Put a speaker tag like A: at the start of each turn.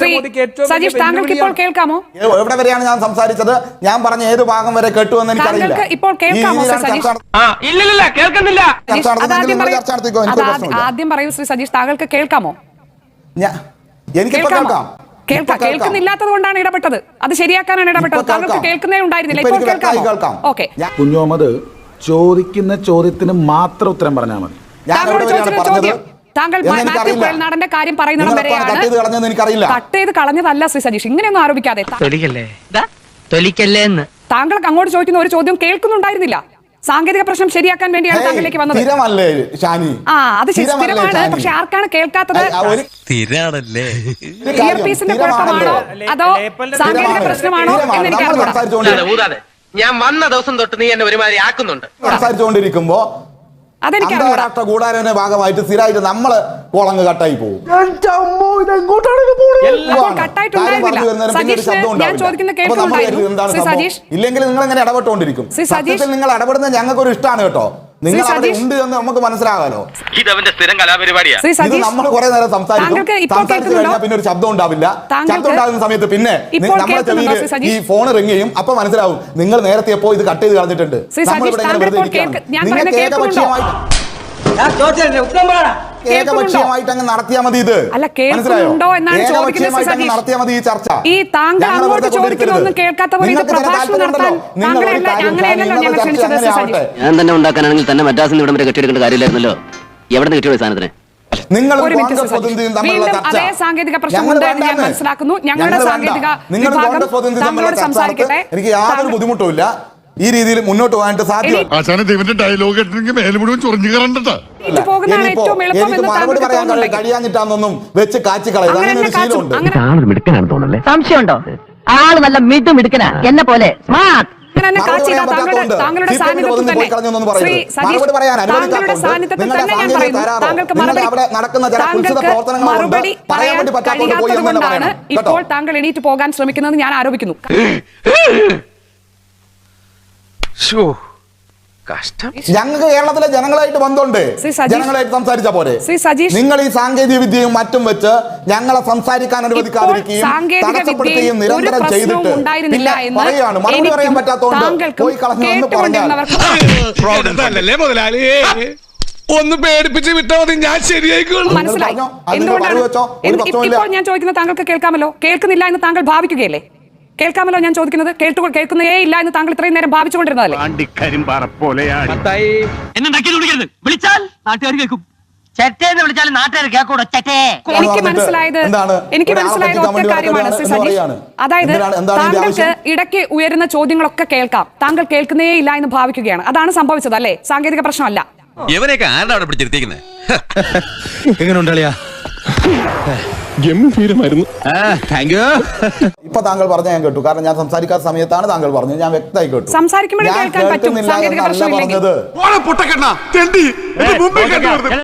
A: നരേന്ദ്രമോദിക്ക് ഏറ്റവും
B: സജീഷ്, താങ്കൾക്ക് ഇപ്പോൾ കേൾക്കാമോ?
C: എവിടെ വരെയാണ് ഞാൻ സംസാരിച്ചത്? ഞാൻ പറഞ്ഞ ഏത് ഭാഗം വരെ കേട്ടു എന്ന് എനിക്കറിയില്ല.
B: താങ്കൾക്ക് ഇപ്പോൾ കേൾക്കാമോ സജീഷ്? ആദ്യം പറയൂ ശ്രീ സജീഷ്, താങ്കൾക്ക് കേൾക്കാമോ?
C: എനിക്കിപ്പോ കേൾക്കാം.
B: കേൾക്കുന്നില്ലാത്തത് കൊണ്ടാണ് ഇടപെട്ടത്. അത് ശരിയാക്കാനാണ് ഇടപെട്ടത്. താങ്കൾക്ക് കേൾക്കുന്നേ ഉണ്ടായിരുന്നില്ല. ഇപ്പോൾ കേൾക്കാം. ഓക്കെ,
D: കുഞ്ഞോമത് ചോദിക്കുന്ന ചോദ്യത്തിന് മാത്രം ഉത്തരം പറഞ്ഞാൽ മതി.
B: താങ്കളോട് ചോദിച്ച ചോദ്യം താങ്കൾ മാത്യു കുഴൽനാടന്റെ കാര്യം പറയുന്നിടം വരെയാണ്. കട്ട് ചെയ്ത് കളഞ്ഞതല്ല ശ്രീ സജീഷ്, ഇങ്ങനെയൊന്നും ആരോപിക്കാതെ. താങ്കൾക്ക് അങ്ങോട്ട് ചോദിക്കുന്ന ഒരു ചോദ്യം കേൾക്കുന്നുണ്ടായിരുന്നില്ല. സാങ്കേതിക പ്രശ്നം ശരിയാക്കാൻ വേണ്ടിയാണ് താങ്കളിലേക്ക് വന്നത്. അത് സ്ഥിരമാണ്. പക്ഷെ ആർക്കാണ് കേൾക്കാത്തത്? ഇയർപീസിന്റെ കുഴപ്പമാണോ അതോ സാങ്കേതിക പ്രശ്നമാണോ എന്ന് എനിക്കറിയില്ല.
E: ഞാൻ വന്ന ദിവസം തൊട്ട് നീ എന്നെ ഒരുമാതിരി ആക്കുന്നുണ്ട്.
C: സംസാരിച്ചുകൊണ്ടിരിക്കുമ്പോ അന്താരാഷ്ട്ര കൂടാരന്റെ ഭാഗമായിട്ട് സ്ഥിരമായിട്ട് നമ്മള് കോളങ്ങ് കട്ടായി പോകും. ഇല്ലെങ്കിൽ നിങ്ങൾ എങ്ങനെ ഇടപെട്ടുകൊണ്ടിരിക്കും? സത്യത്തിൽ നിങ്ങൾ ഇടപെടുന്നത് ഞങ്ങൾക്ക് ഒരു ഇഷ്ടമാണ് കേട്ടോ. നിങ്ങൾ അവിടെ ഉണ്ട് എന്ന് നമുക്ക് മനസ്സിലാകാലോ.
E: ഇതവന്റെ സ്ഥിരം കലാപരിപാടിയാ.
C: ഇത് നമ്മൾ കുറെ നേരം സംസാരിച്ചു കഴിഞ്ഞാൽ പിന്നെ ഒരു ശബ്ദം ഉണ്ടാവില്ല. ശബ്ദം ഉണ്ടാകുന്ന സമയത്ത് പിന്നെ നമ്മുടെ ചെവിയിൽ ഈ ഫോൺ റിങ് ചെയ്യും. അപ്പൊ മനസ്സിലാവും നിങ്ങൾ നേരത്തെ എപ്പോ ഇത് കട്ട് ചെയ്ത് കളഞ്ഞിട്ടുണ്ട്. നമ്മളിവിടെ ഇങ്ങനെ വെറുതെ ഇരിക്കുകയാണ്. നിങ്ങൾക്ക് ഏകപക്ഷീയമായിട്ട് അങ്ങ് നടത്തിയാൽ മതി. ഇത് മനസ്സിലായോ? ഏകപക്ഷീയമായിട്ട് നടത്തിയാൽ മതി ഈ ചർച്ച.
F: ഞാൻ തന്നെ ഉണ്ടാക്കാനാണെങ്കിൽ തന്നെ മദ്രാസിൽ ഇവിടം വരെ കെട്ടിയെടുക്കേണ്ട കാര്യമില്ലായിരുന്നല്ലോ. എവിടെ നിന്ന് കിട്ടിയ സാധനത്തിന്?
C: നിങ്ങൾ
B: സാങ്കേതിക പ്രശ്നമുണ്ട് എന്ന് ഞാൻ മനസ്സിലാക്കുന്നു. ഞങ്ങളുടെ സാങ്കേതിക സംസാരിക്കട്ടെ.
C: എനിക്ക് യാതൊരു ബുദ്ധിമുട്ടുമില്ല. ഈ രീതിയിൽ മുന്നോട്ട് പോകാനായിട്ട് സാധ്യത.
D: ഡയലോഗ്
C: എനിക്ക് മറുപടി പറയാൻ കഴിയാഞ്ഞിട്ടാന്നൊന്നും വെച്ച് കാച്ചി കളയുക. അങ്ങനെ ഒരു ശീലമുണ്ട്.
G: സംശയമുണ്ടോ? ആള് നല്ല മിടുക്കനാ, എന്നെ പോലെ സ്മാർട്ട്.
B: ഇപ്പോൾ താങ്കൾ എണീറ്റ് പോകാൻ ശ്രമിക്കുന്നത് ഞാൻ ആരോപിക്കുന്നു.
C: ഞങ്ങൾക്ക് കേരളത്തിലെ ജനങ്ങളായിട്ട് ബന്ധമുണ്ട്. ജനങ്ങളായിട്ട് സംസാരിച്ച പോലെ നിങ്ങൾ ഈ സാങ്കേതിക വിദ്യയും മറ്റും വെച്ച് ഞങ്ങളെ സംസാരിക്കാൻ അനുവദിക്കാതിരിക്കുകയും തടസ്സപ്പെടുത്തുകയും നിരന്തരം ചെയ്തിട്ട് പറയാണ് മറുപടി പറയാൻ പറ്റാത്തതുകൊണ്ട് പോയി കളഞ്ഞു എന്ന് പറഞ്ഞാൽ
A: ഒന്ന് പേടിപ്പിച്ച് വിട്ടാൽ മതി, ഞാൻ ശരിയായിക്കോളൂ.
B: ഇപ്പോൾ ഞാൻ ചോദിക്കുന്നത് താങ്കൾക്ക് കേൾക്കാമല്ലോ. കേൾക്കുന്നില്ല എന്ന് താങ്കൾ ഭാവിക്കുകയല്ലേ? കേൾക്കാമല്ലോ ഞാൻ ചോദിക്കുന്നത്. കേൾക്കുന്നേ ഇല്ല എന്ന് താങ്കൾ ഇത്രയും നേരം ഭാവിച്ചുകൊണ്ടിരുന്നതല്ലേ? എനിക്ക് മനസ്സിലായത് ഒറ്റ കാര്യമാണ് ശ്രീ സജീഷ്. അതായത് താങ്കൾക്ക് ഇടയ്ക്ക് ഉയരുന്ന ചോദ്യങ്ങളൊക്കെ കേൾക്കാം. താങ്കൾ കേൾക്കുന്നേ ഇല്ല എന്ന് ഭാവിക്കുകയാണ്. അതാണ് സംഭവിച്ചത് അല്ലേ? സാങ്കേതിക പ്രശ്നമല്ല.
C: ഇപ്പൊ താങ്കൾ പറഞ്ഞ ഞാൻ കേട്ടു. കാരണം ഞാൻ സംസാരിക്കാത്ത സമയത്താണ് താങ്കൾ പറഞ്ഞത്. ഞാൻ വ്യക്തമായി കേട്ടു.
B: സംസാരിക്കുമ്പോഴേ കേൾക്കാൻ പറ്റും. സാങ്കേതിക പ്രശ്നമില്ലെങ്കിൽ